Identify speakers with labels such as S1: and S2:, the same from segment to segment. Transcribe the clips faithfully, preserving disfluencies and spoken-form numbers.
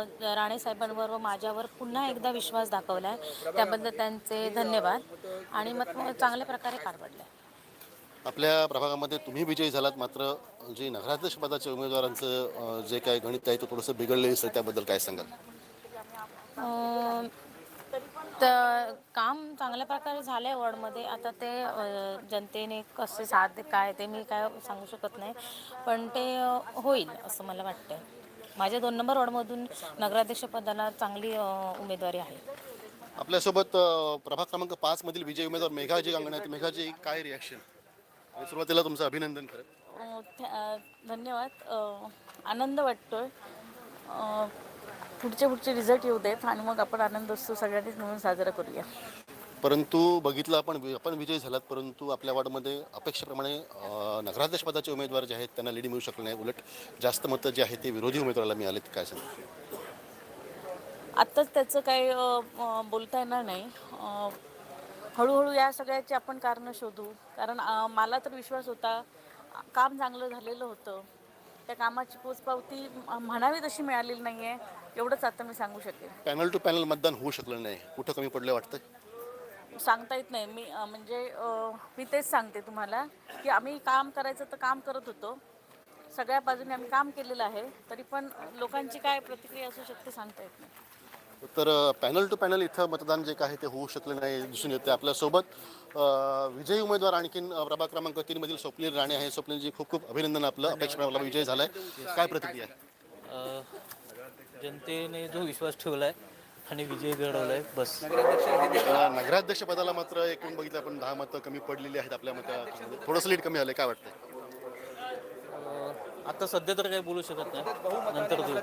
S1: राणे साहेबांवर व माझ्यावर पुन्हा एकदा विश्वास दाखवला आहे, त्याबद्दल त्यांचे धन्यवाद. आणि मत चांगल्या प्रकारे पार पडलं आहे.
S2: आपल्या प्रभागामध्ये तुम्ही विजयी झालात, मात्र जे नगराध्यक्ष पदाच्या उमेदवारांचं अ, जे काही गणित आहे ते थोडंसं बिघडलेलं दिसतं, त्याबद्दल काय सांगाल?
S1: अं, तर काम चांगल्या प्रकारे झालं आहे वॉर्डमध्ये. आता ते अ, जनतेने कसे साथ दे काय ते मी काय सांगू शकत नाही, पण ते अ, होईल असं मला वाटतं. माझ्या दोन नंबर वॉर्डमधून नगराध्यक्षपदाला चांगली अ, उमेदवारी आहे.
S2: आपल्यासोबत अ, प्रभाग क्रमांक पाच मधील विजयी उमेदवार मेघाजी गांगणे आहेत. मेघाजी, काय रिॲक्शन? सुरुवातीला तुमचं अभिनंदन खरं.
S1: अ, थ- अ, धन्यवाद. अ, आनंद वाटतोय. अ, पुढचे पुढचे रिझल्ट येऊ देत आणि मग आपण आनंद उत्सव सगळ्यांनीच मिळून साजरा करूया.
S2: परंतु बघितलं आपण वि- आपण विजयी झालात, परंतु आपल्या वॉर्डमध्ये अपेक्षेप्रमाणे अ, नगराध्यक्ष पदाचे उमेदवार जे आहेत त्यांना लीड मिळू शकले नाही. उलट जास्त मतं जे आहेत ते विरोधी उमेदवाराला मिळालेत. काय सांगा?
S1: आत्ताच त्याचं काही अ, अ, बोलता येणार नाही. अ, हळूहळू या सगळ्याची आपण कारणं शोधू. कारण अ, मला तर विश्वास होता, अ, काम चांगलं झालेलं होतं. त्या कामाची पोचपावती म- म्हणावी तशी मिळालेली नाही आहे, एवढंच आता मी सांगू शकेन.
S2: पॅनल टू पॅनल मतदान होऊ शकलं नाही, कुठं कमी पडलं वाटतं?
S1: सांगता येत नाही. मी अ, म्हणजे अ, मी तेच सांगते तुम्हाला, की आम्ही काम करायचं तर काम करत होतो. सगळ्या बाजूने आम्ही काम केलेलं आहे, तरी पण लोकांची काय प्रतिक्रिया असू शकते सांगता येत नाही.
S2: तर पॅनल टू पॅनल इथं मतदान जे काय ते होऊ शकलं नाही दिसून येते. आपल्यासोबत अ, विजयी उमेदवार आणखीन अ, प्रभाग क्रमांक तीन मधील स्वप्नील राणे आहे. स्वप्नीलजी, खूप खूप अभिनंदन. आपलं अपेक्षेप्रमाणे विजय झालाय, काय प्रतिक्रिया आहे?
S3: अ, जनतेने जो विश्वास ठेवला आहे आणि विजय घडवला आहे बस.
S2: अ, नगराध्यक्ष पदाला मात्र एकूण बघितलं आपण दहा मतं कमी पडलेली आहेत. आपल्या मतं थोडंसं लीड कमी आलं, काय वाटतंय?
S3: अ, आता सध्या तर काही बोलू शकत नाही, नंतर देऊ.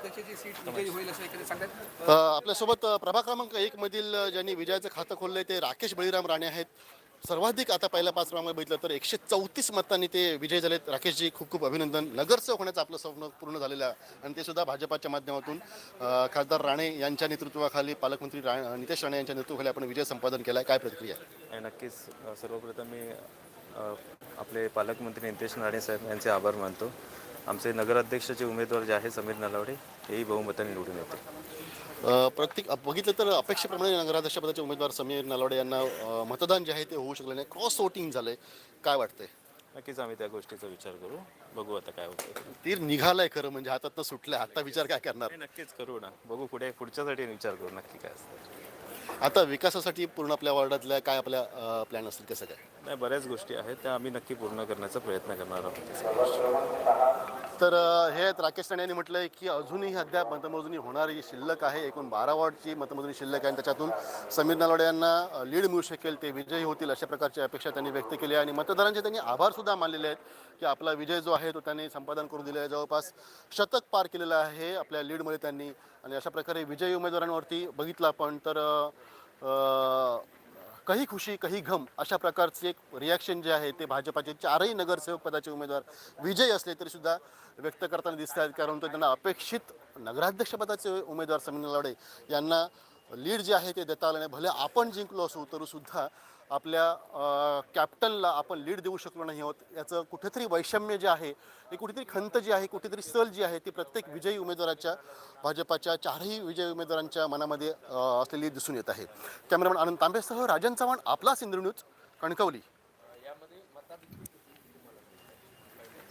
S2: अ, आपल्यासोबत अ, प्रभाग क्रमांक एक मधील अ, ज्यांनी विजयाचं खातं खोललंय ते राकेश बळीराम राणे आहेत. सर्वाधिक आता पहिल्या पाच क्रमांक बघितलं तर एकशे चौतीस मतांनी ते विजय झालेत. राकेशजी, खूप खूप अभिनंदन. नगरसेवक होण्याचं आपलं स्वप्न पूर्ण झालेलं आहे आणि ते सुद्धा भाजपाच्या माध्यमातून. अ, खासदार राणे यांच्या नेतृत्वाखाली, पालकमंत्री रा नितेश राणे यांच्या नेतृत्वाखाली आपण विजय संपादन केला, काय प्रतिक्रिया आहे?
S4: आणि नक्कीच अ, सर्वप्रथम मी अ, आपले पालकमंत्री नितेश राणे साहेब यांचे आभार मानतो. आमचे नगराध्यक्षाचे उमेदवार जे आहे समीर नलावडे, हेही बहुमताने निवडून येते.
S2: अ, प्रत्येक अ, बघितलं तर अपेक्षेप्रमाणे नगराध्यक्ष पदाचे उमेदवार समीर नलावडे यांना अ, मतदान जे आहे ते होऊ शकलं नाही, क्रॉस वोटिंग झालंय, काय वाटतंय?
S4: नक्कीच आम्ही त्या गोष्टीचा विचार करू. बघू आता काय होतं.
S2: तीर निघालाय खरं म्हणजे, हातात सुटलंय, आता विचार काय करणार?
S4: नाही, नक्कीच करू ना. बघू पुढे पुढच्यासाठी विचार करू नक्की काय असतं.
S2: आता विकासासाठी पूर्ण आपल्या वार्डातल्या काय आपल्या प्लॅन असतील, कसं काय?
S4: नाही, बऱ्याच गोष्टी आहेत त्या आम्ही नक्की पूर्ण करण्याचा प्रयत्न करणार आहोत त्या सगळ्या गोष्टी.
S2: तर अ, हे आहेत राकेश राणे यांनी म्हटलंय की अजूनही अद्याप मतमोजणी होणारी शिल्लक आहे. एकूण बारा वॉर्डची मतमोजणी शिल्लक आहे आणि त्याच्यातून समीर नलावडे यांना लीड मिळू शकेल, ते विजयी होतील अशा प्रकारची अपेक्षा त्यांनी व्यक्त केली आहे. आणि मतदारांचे त्यांनी आभार सुद्धा मानलेले आहेत की आपला विजय जो आहे तो त्यांनी संपादन करून दिला आहे. जवळपास शतक पार केलेलं आहे आपल्या लीडमध्ये त्यांनी. आणि अशा प्रकारे विजयी उमेदवारांवरती बघितलं आपण तर अ, कही खुशी कही गम अशा प्रकारचे एक रिॲक्शन जे आहे ते भाजपाचे चारही नगरसेवक पदाचे उमेदवार विजयी असले तरी सुद्धा व्यक्त करताना दिसत आहेत. कारण तो त्यांना अपेक्षित नगराध्यक्षपदाचे उमेदवार समीर नलावडे यांना लीड जे आहे ते देता आलं नाही. भले आपण जिंकलो असू तरी सुद्धा आपल्या कॅप्टनला आपण लीड देऊ शकलो नाही आहोत. याचं कुठेतरी वैषम्य जे आहे, ही कुठेतरी खंत जी आहे, कुठेतरी सल जी आहे ती प्रत्येक विजयी उमेदवाराच्या, भाजपाच्या चारही विजयी उमेदवारांच्या मनामध्ये अ, असलेली दिसून येत आहे. कॅमेरामॅन आनंद तांबेसह राजन चव्हाण, आपला सिंधू न्यूज, कणकवली.